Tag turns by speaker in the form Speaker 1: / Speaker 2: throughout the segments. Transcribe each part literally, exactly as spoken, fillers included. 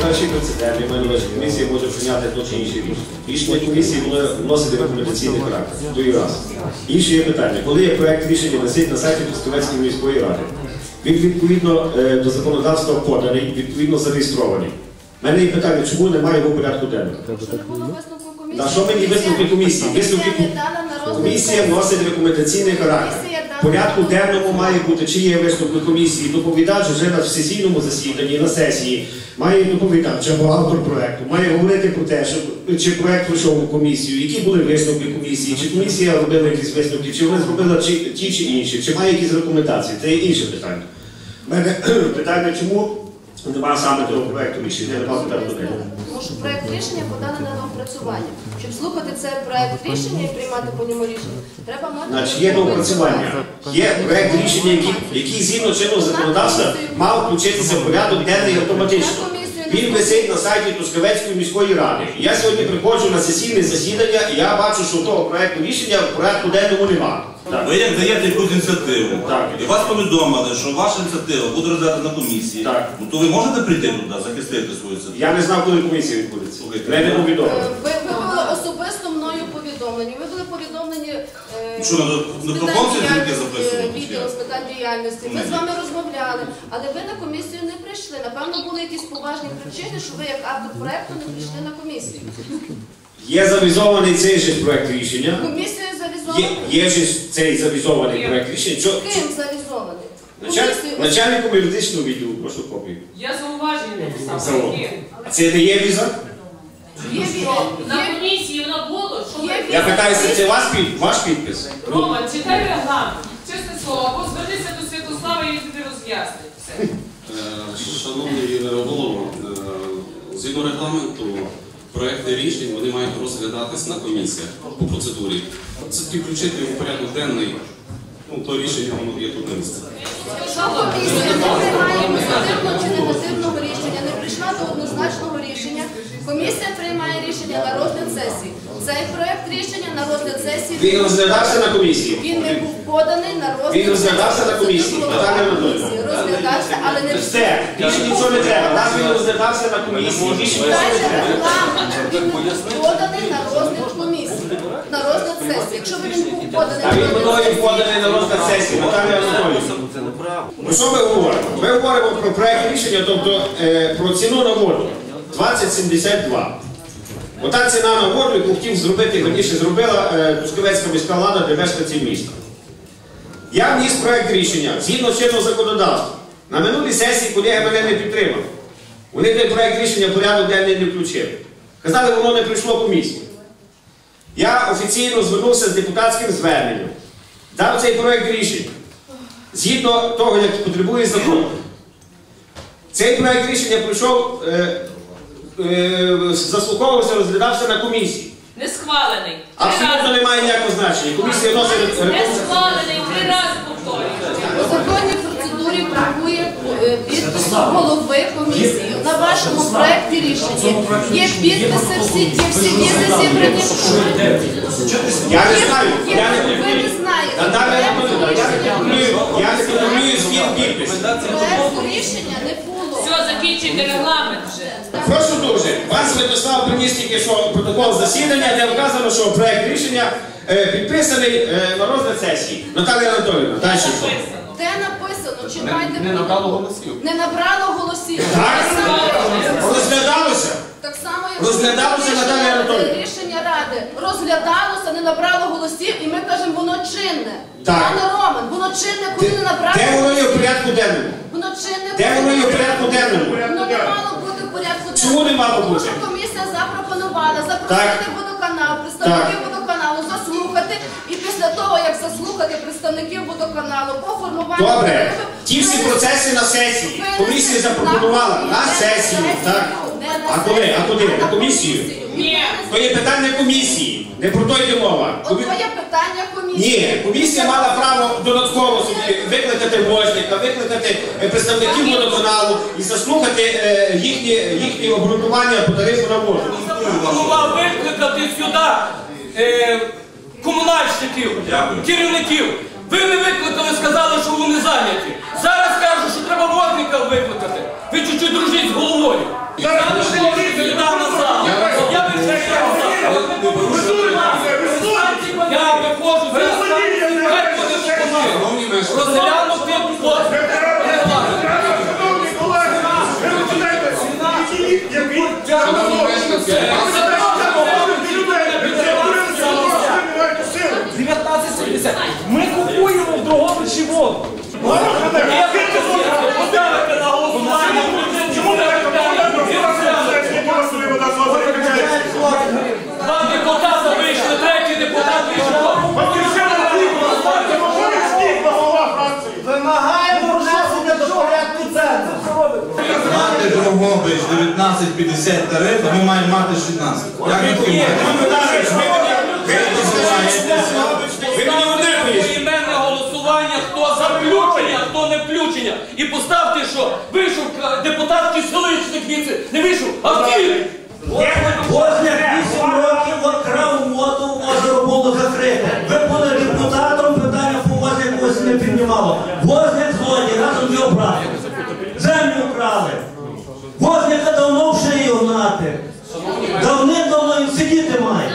Speaker 1: перший прецедент, я маю на увазі, комісія може прийняти то чи інше рішення. Рішення комісії буде вносити рекомендаційний характер. То і раз. Інше є питання. Коли є проєкт рішення висить на сайті Трускавецької міської ради, він відповідно до законодавства поданий, відповідно зареєстрований. У мене є питання, чому немає його порядку денного? На що мені висновки комісії? Висновки комісія вносить рекомендаційний характер. В порядку денному має бути, чи є висновки комісії, доповідач вже на сесійному засіданні, на сесії, має доповідач або автор проєкту, має говорити про те, що, чи проєкт пройшов у комісію, які були висновки комісії, чи комісія робила якісь висновки, чи вона зробила чи, ті чи інші, чи має якісь рекомендації. Це є інше питання. У мене питання, чому немає саме того проєкту рішення, я не мав питання до нього.
Speaker 2: Тому що проєкт рішення поданий на доопрацювання. Щоб слухати цей проєкт рішення і приймати по ньому рішення, треба мати...
Speaker 1: Значить, є доопрацювання. Є проєкт рішення, який, який згідно чинного законодавства мав включитися в порядок денний автоматично. Він висить на сайті Трускавецької міської ради. Я сьогодні приходжу на сесійне засідання і я бачу, що того проєкту рішення в порядку денному немає.
Speaker 3: Ви як даєте якусь ініціативу,
Speaker 1: так,
Speaker 3: і вас повідомили, що ваша ініціатива буде розглядати на комісії,
Speaker 1: так,
Speaker 3: ну, то ви можете прийти туди, захистити свою ініціативу?
Speaker 1: Я не знав, коли комісія відбудеться. Мене повідомили.
Speaker 2: Ви, ви були особисто мною повідомлені. Ви були повідомлені е,
Speaker 3: що, на, на пропонції тільки записували?
Speaker 2: відділом з питань діяльності. Ми з вами розмовляли, але ви на комісію не прийшли. Напевно, були якісь поважні причини, що ви як автор проєкту не прийшли на комісію.
Speaker 1: Є завізований цей же проєкт рішення.
Speaker 2: Комісією завізований?
Speaker 1: Є, є ж цей завізований проєкт рішення. Чо,
Speaker 2: Ким завізований?
Speaker 1: началь, начальником юридичного відділу, прошу копію.
Speaker 4: Я зауваження написав.
Speaker 1: А це не є віза?
Speaker 2: Є віза.
Speaker 4: На комісії воно було, що ви...
Speaker 1: Я питаюся, це ваш, під, ваш підпис?
Speaker 4: Рома, читай регламент. Чесне слово, або звернися до Святослава і він тобі роз'яснить. Все.
Speaker 5: Шановний голово, згідно регламенту, проекти рішень вони мають розглядатись на комісіях по процедурі. Це тільки включити в порядок денний, ну, то рішення воно є тут на місці.
Speaker 2: Якщо комісія не приймає позитивного чи негативного рішення, не прийшла до однозначного рішення, комісія приймає рішення на розгляд сесії. Цей проєкт рішення на розгляд сесії...
Speaker 1: Він розглядався на комісії?
Speaker 2: Він не був поданий на розгляд сесії.
Speaker 1: Він розглядався на комісії?
Speaker 2: Розглядався, але не...
Speaker 1: Все, більше нічого не треба. Нас він розглядався на комісії.
Speaker 2: Читайте регламент. Він не був поданий на розгляд комісії. На розгляд сесії. Якщо б він був поданий
Speaker 1: А
Speaker 2: на
Speaker 1: він
Speaker 2: розгляд
Speaker 1: мною поданий на розгляд сесії, Наталія Анатоліївна. Ну що ми говоримо? Ми говоримо про проєкт рішення, тобто е, про ціну на воду. двадцять сімдесят два. Ота ціна на воду, яку хотів зробити, раніше зробила е, Трускавецька міська влада для мешканців міста. Я вніс проєкт рішення, згідно чинного законодавства. На минулій сесії колеги мене не підтримали. Вони той проєкт рішення в порядок денний не включили. Казали, воно не прийшло комісію. Я офіційно звернувся з депутатським зверненням. Дав цей проєкт рішення. Згідно того, як потребує закон. Цей проєкт рішення пройшов, е, е, заслуховувався, розглядався на комісії.
Speaker 4: Не схвалений.
Speaker 1: Абсолютно немає ніякого значення. Комісія носить...
Speaker 4: Не схвалений, три рази повторюю.
Speaker 2: По законній процедурі бракує підпису голови комісії. На вашому проєкті рішення є підписи, всі, є всі візи зібрані.
Speaker 1: Я не знаю. Я не
Speaker 2: Ви не знаєте.
Speaker 1: Наталія Анатоліївна, я не контролюю, я не контролюю збір підписів.
Speaker 2: Проєкту рішення не було.
Speaker 4: Все, закінчуйте регламент вже.
Speaker 1: Прошу дуже, пан Святослав приніс тільки що протокол засідання, де вказано, що проєкт рішення е, підписаний е, на розгляд сесії. Наталія Анатоліївна, далі що?
Speaker 2: Де написано? Читайте.
Speaker 5: Не набрало голосів.
Speaker 2: Не набрало голосів.
Speaker 1: Так? Розглядалося?
Speaker 2: Так само,
Speaker 1: Розглядалося, Наталія Анатоліївна?
Speaker 2: рішення Ради розглядалося, не набрало голосів, і ми кажемо, воно чинне.
Speaker 1: Так.
Speaker 2: Пане Роман, воно чинне, коли не набрало
Speaker 1: Де воно є в
Speaker 2: голосів.
Speaker 1: порядку денному?
Speaker 2: Воно чинне,
Speaker 1: Де
Speaker 2: коли
Speaker 1: воно є
Speaker 2: не
Speaker 1: в порядку денному?
Speaker 2: Воно не мало бути в порядку денному.
Speaker 1: Чому не мало
Speaker 2: Тому
Speaker 1: бути?
Speaker 2: що комісія запропонувала запросити водоканал, представників водоканалу, заслухати, і після того, як заслухати представників водоканалу по формуванню
Speaker 1: Добре,
Speaker 2: тарифів,
Speaker 1: ті всі
Speaker 2: винести-
Speaker 1: процеси на сесії.
Speaker 2: винести
Speaker 1: Комісія запропонувала на сесію, так?
Speaker 2: Не на
Speaker 1: А коли? А куди?
Speaker 2: сесію,
Speaker 1: На
Speaker 2: а
Speaker 1: комісію?
Speaker 4: Ні.
Speaker 1: То є питання комісії, не про то йде мова.
Speaker 2: От твоє питання комісії.
Speaker 1: Ні, комісія мала право додатково собі викликати возника, викликати е, представників водоканалу і заслухати е, їхні, їхні обґрунтування по тарифу на воду.
Speaker 6: Пропонував викликати сюди е, комунальщиків, керівників. Ви не викликали, сказали, що вони зайняті. Зараз кажуть, що треба водника викликати. Ви чуть-чуть дружіть з головою.
Speaker 1: Зараз
Speaker 6: Дивіться, ми купуємо в Дрогобичі воду. Я поставити на голосування. Чому не Два депутата вийшли, третій депутат вийшов.
Speaker 7: Вимагаємо внесення до порядку центру.
Speaker 3: Мати Дрогобич дев'ятнадцять п'ятдесят тариф, а ми маємо мати шістнадцять. Як ви
Speaker 6: Поіменне голосування, хто за включення, хто не включення. І поставте, що вийшов депутатський селищник віце, не вийшов, а втіль.
Speaker 7: Возняк вісім років крав воду, озеро було закрите. Ви були депутатом, питання по Возняку ось не піднімало. Возняк злодій, разом з його братом. Землю вкрали. Возняка давно в шиї гнати. Давним-давно він сидіти має.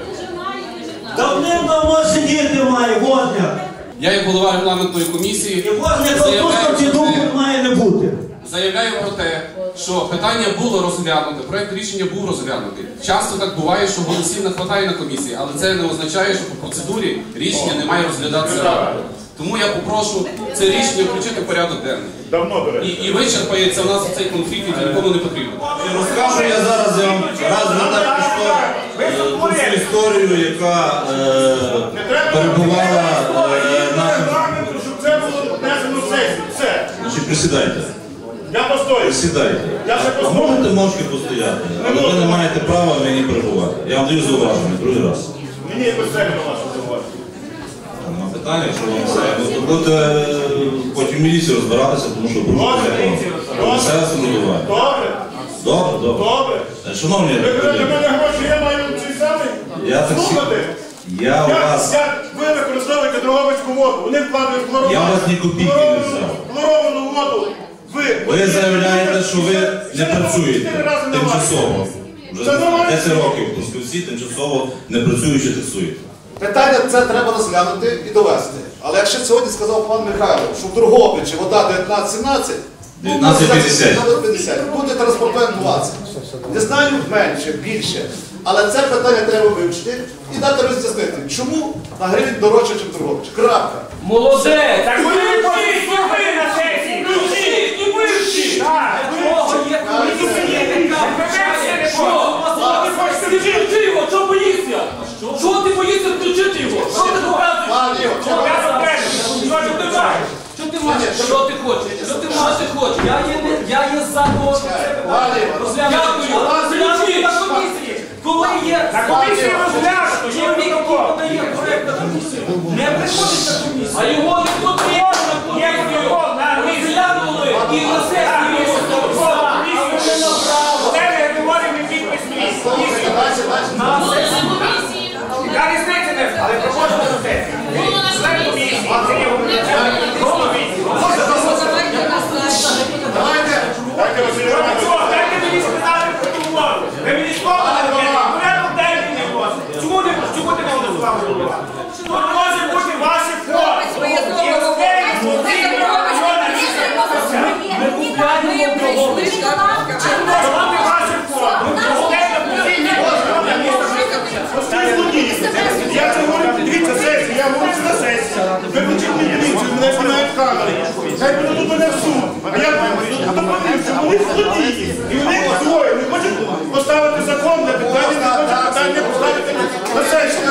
Speaker 7: Давним-давно сидіти має Возняк.
Speaker 5: Я, як голова регламентної комісії,
Speaker 7: І Возняка
Speaker 5: заявляю
Speaker 7: просто ці
Speaker 5: про
Speaker 7: думки
Speaker 5: те-
Speaker 7: має не бути.
Speaker 5: заявляю про те, що питання було розглянуте, проект рішення був розглянутий. Часто так буває, що голосів не вистачає на комісії, але це не означає, що по процедурі рішення не має розглядатися радою. Тому я попрошу це рішення включити в порядок денний.
Speaker 8: Давно, до речі.
Speaker 5: І, і вичерпається у нас цей конфлікт, який нікому не потрібен.
Speaker 3: Розкажу я зараз я вам раз ви так пішло е, ту всю історію, яка е, перебувала е, нашим.
Speaker 8: Регламенту, щоб це було внесено в сесію. Все.
Speaker 3: Значить, присідайте.
Speaker 8: Я постою.
Speaker 3: Присідайте.
Speaker 8: Я ще
Speaker 3: А
Speaker 8: постою.
Speaker 3: можете мовчки постояти, але ви не маєте права мені перебувати. Я вам даю зауваження, другий раз.
Speaker 8: Мені якось це не ваше зауваження.
Speaker 3: Нема питання, якщо вам все. Ну, то будете е, потім в міліції розбиратися, тому що порушуєте закон. Все самоврядування.
Speaker 8: Добре?
Speaker 3: Добре, добре.
Speaker 8: Добре.
Speaker 3: Е, Шановні,
Speaker 8: Ви кажете,
Speaker 3: колеги,
Speaker 8: мене гроші, я маю цей самий?
Speaker 3: Я так
Speaker 8: Слухати?
Speaker 3: я у
Speaker 8: Як,
Speaker 3: вас,
Speaker 8: як ви використовуєте Дрогобицьку воду? Вони вкладають хлоровану,
Speaker 3: Я у вас ні копійки не
Speaker 8: хлоровану-
Speaker 3: взяв.
Speaker 8: хлоровану воду. Ви,
Speaker 3: ви заявляєте, що ви не працюєте
Speaker 8: чотири рази на
Speaker 3: тимчасово. Вже
Speaker 8: Це нормально.
Speaker 3: десять років в Трускавці тимчасово не працюючи таксуєте.
Speaker 9: Питання це треба розглянути і довести. Але якщо сьогодні сказав пан Михайло, що в Дрогобичі вода дев'ятнадцять сімнадцять,
Speaker 3: дев'ятнадцять п'ятдесят.
Speaker 9: буде транспортуємо двадцять. Не знаю менше, більше. Але це питання треба вивчити і дати роз'яснити, чому на гривень дорожче, ніж в Дрогобичі. Крапка.
Speaker 6: Молодець! Так ви не послухайте на сесії! Включіть і вивчіть! Чого є комісія, яка вивчає? Що? Включи його, чого боїшся? Чого ти боїшся включити його? Що ти показуєш? Що ти маєш? Що ти маєш? Що ти хочеш? Що ти маєш? Що ти хочеш? Я є, я є за того, що це питання. Дякую. Включіть на комісії. Коли є...
Speaker 8: На комісії розглянуто, що ви
Speaker 6: Чоловік, який подає проект на комісію, не приходить на комісію. А його не потрібно на комісію. Розглянули і на сесії його поставили. Вони направо.
Speaker 8: Це не говоримо не підпис місії.
Speaker 6: На сесії.
Speaker 8: Я різниці не, але проходимо до сесії. Член комісії, це є Дайте Василь Іванович. Дайте мені сказати про ту воду. Ви мені сказали, порядок денний не власне. Чому не чому ти не голосував за воду? Тут може бути ваші фото. І окей,
Speaker 6: Ми купляємо Дрогобич.
Speaker 8: Давайте ваші фото. Я це говорю, дивіться сесію, я говорю на сесію. Ви включіть мені дивіться, мене знімають камери. Хай подадуть мене в суд. А я допомогу, що вони злодії. І вони двоє не хочуть поставити закон для питання, не хочуть питання поставити на сесію.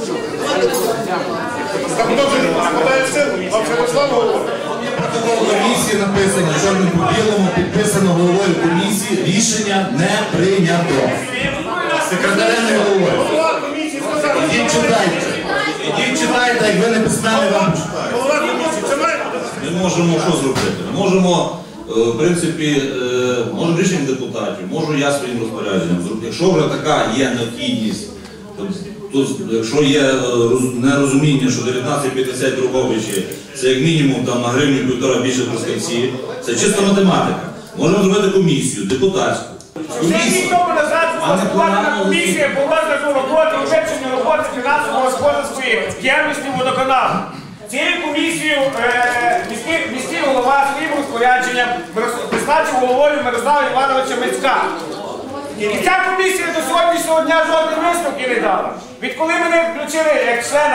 Speaker 8: Так хто вже не подає силу, а вже Руслан говорить.
Speaker 3: Комісії написано, чорним по білому, підписано головою комісії, рішення не прийнято. Секретарем не головою.
Speaker 8: Голова комісії сказав,
Speaker 3: Ідіть читайте. Ідіть читайте, як ви не письмені вам почитаєте.
Speaker 8: голова комісії, це має бути.
Speaker 3: Ми можемо що зробити? Ми можемо, е, в принципі, е, можемо рішення депутатів, можу я своїм розпорядженням зробити. Якщо вже така є необхідність, то, то якщо є е, роз- нерозуміння, що дев'ятнадцять п'ятдесят Дрогобичі, це як мінімум там, на гривню півтора більше в Трускавці, це чисто математика. Можемо зробити комісію, депутатську.
Speaker 8: Ще
Speaker 3: Комісію.
Speaker 8: рік тому назад була складена комісія по розгляду роботи і вивченню роботи фінансово-господарської діяльності водоканалу. Цією комісією е, міський, міський голова своїм розпорядженням призначив головою Мирослава Івановича Мицька. І ця комісія до сьогоднішнього дня жодних висновків не дала. Відколи мене включили як члена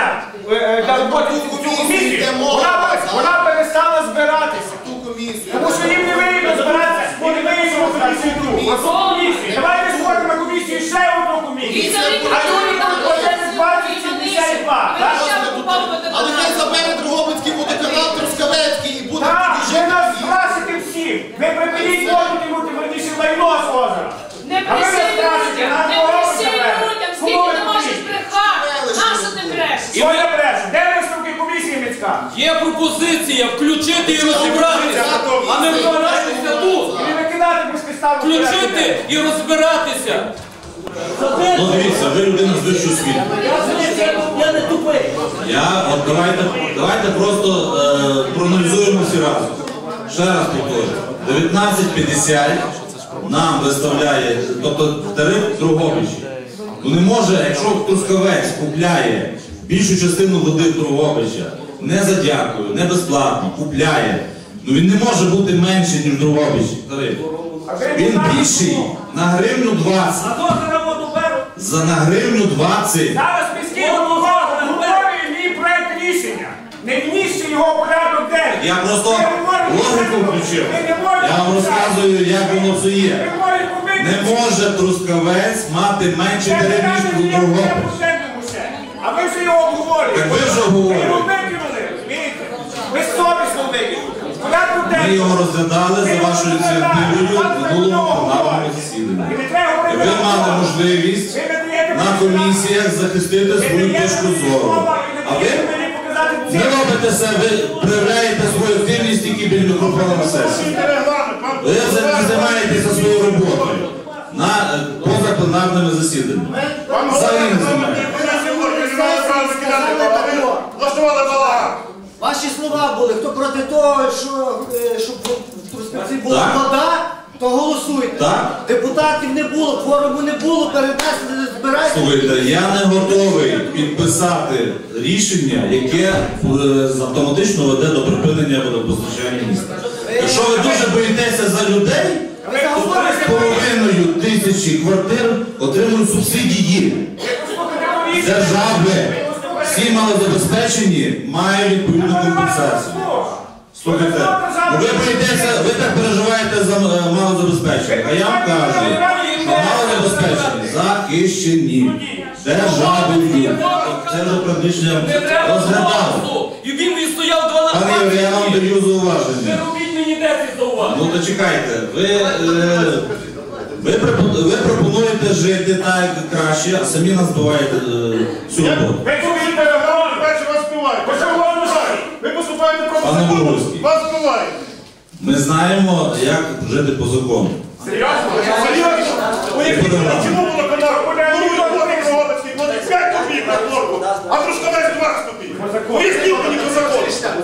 Speaker 8: е, для роботи
Speaker 9: ту
Speaker 8: цю
Speaker 9: комісію
Speaker 8: комісію,
Speaker 9: йде мова,
Speaker 8: вона,
Speaker 9: так.
Speaker 8: вона перестала збиратися.
Speaker 9: Ту комісію.
Speaker 8: Тому що їм не вигідно збиратися, бо не вигідно збиратися ту. Оцю комісію. Давайте створимо на комісію ще одну комісію. А люди там один двадцять сімдесят два.
Speaker 9: Але хай забере Дрогобицький водоканал, Трускавецький і буде
Speaker 8: Так,
Speaker 9: тоді
Speaker 8: ви
Speaker 9: жити
Speaker 8: нас
Speaker 9: всі.
Speaker 8: страшите всіх. Ви припиніть воду тягнути, верніше лайно з озера.
Speaker 4: Не
Speaker 8: А ви
Speaker 4: присій
Speaker 8: нас страшите,
Speaker 4: людям,
Speaker 8: нас
Speaker 4: не
Speaker 8: дорогу
Speaker 4: присій
Speaker 8: заберете.
Speaker 4: людям,
Speaker 8: Кому
Speaker 4: скільки
Speaker 8: ви
Speaker 4: ти можеш
Speaker 8: присієте?
Speaker 4: брехати? Нащо ти брешеш?
Speaker 8: Що я брешу? Де висновки комісії міська?
Speaker 6: Є пропозиція включити і розібратися, а не розбиратися тут.
Speaker 8: І не викидати безпідставно.
Speaker 6: Включити і розбиратися.
Speaker 3: Ну дивіться, ви людина з вищою освітою.
Speaker 7: Я не тупий.
Speaker 3: Я, от давайте, давайте просто е, проаналізуємо всі разом. Ще раз повторюю. дев'ятнадцять п'ятдесят нам виставляє, тобто тариф Дрогобичі. Ну не може, якщо Трускавець купляє більшу частину води Дрогобича, не за дякую, не безплатно, купляє, ну він не може бути менший, ніж Дрогобичі тариф. Він більший на гривню двадцять.
Speaker 8: А то за воду беруть.
Speaker 3: За на гривню двадцять.
Speaker 8: Зараз міський голова говорить мій проект рішення. Не вніс його в порядок денний.
Speaker 3: Я просто
Speaker 8: Ви говорите,
Speaker 3: логіку
Speaker 8: ви
Speaker 3: включив.
Speaker 8: не можете
Speaker 3: Я вам
Speaker 8: писати.
Speaker 3: розказую, як воно все
Speaker 8: Ви
Speaker 3: є.
Speaker 8: говорите, ви
Speaker 3: Не може Трускавець мати менший тариф, ніж Дрогобич.
Speaker 8: А ви вже його обговорюєте.
Speaker 3: Так ви вже
Speaker 8: Ви
Speaker 3: обговорюєте.
Speaker 8: його викинули, розумієте? Ви совісно викинули. В порядку
Speaker 3: Ми
Speaker 8: денному.
Speaker 3: його розглядали за вашою ініціативою в минулому пленарному засіданні. І ви мали можливість на комісіях захистити свою точку зору. А ви не робите себе, проявляєте свою активність тільки біля мікрофона на сесії. Ви не займаєтеся своєю роботою на е, позапленарними засіданнями. Взагалі не займаєтеся.
Speaker 9: Влаштували балаган.
Speaker 10: Ваші слова були, хто проти того, що, е, щоб в Трускавці була
Speaker 3: Так.
Speaker 10: вода, то голосуйте.
Speaker 3: Так.
Speaker 10: Депутатів не було, кворуму не було, перенесли, не збирайте.
Speaker 3: Слухайте, я не готовий підписати рішення, яке е, автоматично веде до припинення водопостачання міста. Якщо ви дуже боїтеся за людей, то три з половиною тисячі квартир отримують субсидії з держави. Всі малозабезпечені мають відповідну компенсацію. Слухайте, ну ви боїтеся, ви так переживаєте за е, малозабезпечених, а я вам кажу, що малозабезпечені захищені державою. Це вже практично
Speaker 6: Не треба
Speaker 3: розглядали.
Speaker 6: голосу. І він відстояв дванадцять.
Speaker 3: Пане Юрій, я вам даю
Speaker 6: Не
Speaker 3: зауваження.
Speaker 6: робіть мені десять зауважень.
Speaker 3: Ну то чекайте, ви, е, ви, пропо- ви пропонуєте жити так як краще, а самі нас збиваєте е, всю роботу.
Speaker 8: Ви повірте, регламент.
Speaker 9: Перше вас співають.
Speaker 8: Ви що говорите?
Speaker 9: Ви поступаєте
Speaker 3: Пане
Speaker 9: проти закону.
Speaker 3: Буровський.
Speaker 9: Вас співають.
Speaker 3: Ми знаємо, як жити по закону.
Speaker 8: Серйозно?
Speaker 9: Серйозно? Уявіть,
Speaker 3: Подавай.
Speaker 9: чому водоканал Бурує воду Дрогобицький платить п'ять копійок на хлорку, а Трускавець двадцять копійок. Поясніть мені по закону.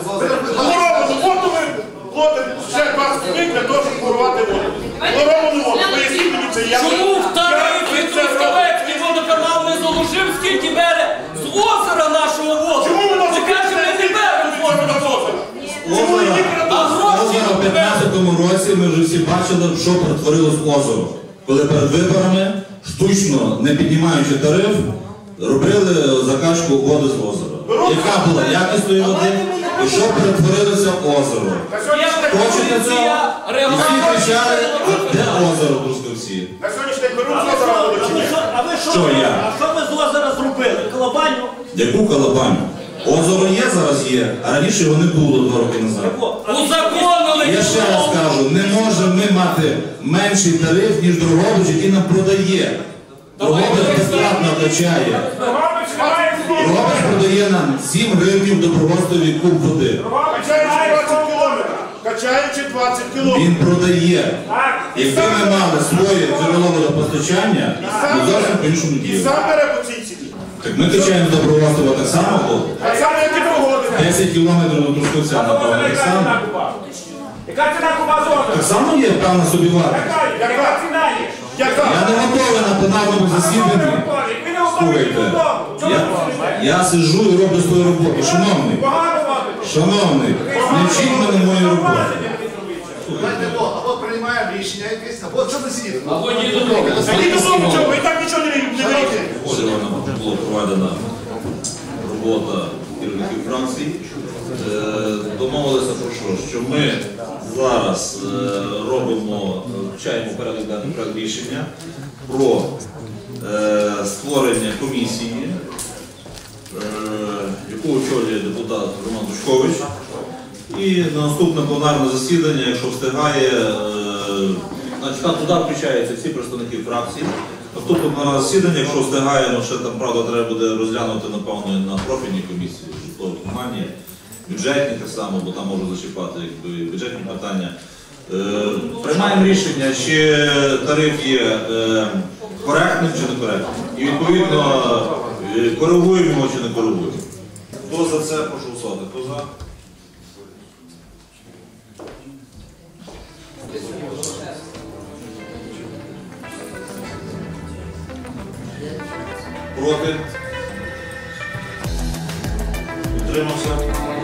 Speaker 9: Хлоровану воду ви платите ще двадцять копійок для того, щоб хлорувати воду. Хлоровану воду. Поясніть мені це. Я-
Speaker 6: Чому в
Speaker 9: Я-
Speaker 6: тарифі
Speaker 9: я-
Speaker 6: Трускавецький водоканал не заложив, скільки бере з озера нашого воду?
Speaker 9: Чому ви нас
Speaker 6: Ти кажеш, ми не беремо з озера воду.
Speaker 3: Озеро,
Speaker 6: А гроші
Speaker 3: озеро в п'ятнадцятому році ми вже всі бачили, що перетворилось в озеро. Коли перед виборами, штучно не піднімаючи тариф, робили закачку води з озера. Яка була якісною води і що перетворилося в озеро.
Speaker 6: Є
Speaker 3: Хочете цього?
Speaker 6: пропозиція
Speaker 3: І всі
Speaker 6: регламенту.
Speaker 3: кричали, де озеро Трускавці?
Speaker 9: На сьогоднішній день беруть з озера воду чи ні?
Speaker 7: А ви що,
Speaker 3: Що я?
Speaker 7: а що ви з озера зробили? Колобаню?
Speaker 3: Яку колобаню? Озеро є, зараз є, а раніше його не було два роки назад.
Speaker 6: Узаконили.
Speaker 3: Я ще раз кажу, не можемо ми мати менший тариф, ніж Дрогобич, який нам продає. Дрогобич безплатно качає.
Speaker 8: Дрогобич немає слів.
Speaker 3: Дрогобич продає нам сім гривнів добровольствовий куб води.
Speaker 8: Дрогобич
Speaker 9: Качаючи
Speaker 8: немає
Speaker 9: двадцять кілометрів. Качаючи двадцять кілометрів.
Speaker 3: Він продає.
Speaker 8: Так.
Speaker 3: Якби ми мали своє джерело водопостачання, ми зовсім по-іншому
Speaker 9: І
Speaker 3: діяли.
Speaker 9: сам бере по цій ціні.
Speaker 3: Так ми качаємо добровольство так само, бо
Speaker 9: Так само, як і Дрогобич.
Speaker 3: десять кілометрів до Трускавця, напевно, так само.
Speaker 8: Яка ціна куба з озера?
Speaker 3: Так само є певна собівартість.
Speaker 8: Яка? Яка ціна є?
Speaker 9: Яка?
Speaker 3: Я не готовий на пленарному засіданні.
Speaker 8: Ви не готові
Speaker 3: Слухайте,
Speaker 8: додому. Чому
Speaker 3: я,
Speaker 8: ви сидите?
Speaker 3: я сиджу і роблю свою роботу. Шановний,
Speaker 8: Погано робите.
Speaker 3: шановний, не вчіть мене моєї роботи.
Speaker 9: Знаєте, або, або приймаємо рішення якесь, або що ви сидіти?
Speaker 6: Або ні додому.
Speaker 9: А ні додому чого, ви і так нічого не не робите.
Speaker 3: Була проведена робота керівників фракцій е, домовилися про що? Що ми зараз е, робимо, включаємо в порядок денний проект рішення про е, створення комісії, е, яку очолює депутат Роман Дучкович. І на наступне пленарне засідання, якщо встигає, е, значить, там туди включаються всі представники фракцій. Наступне пленарне засідання, якщо встигає, ну ще там, правда, треба буде розглянути, напевно, на профільній комісії, житлово-комунальні, бюджетні так само, бо там можуть зачіпати якби, бюджетні питання. Е, приймаємо рішення, чи тариф є е, коректним чи некоректним. І відповідно е, коригуємо його чи не коригуємо. Хто за це, прошу голосувати. Хто за? Проти? Утримався?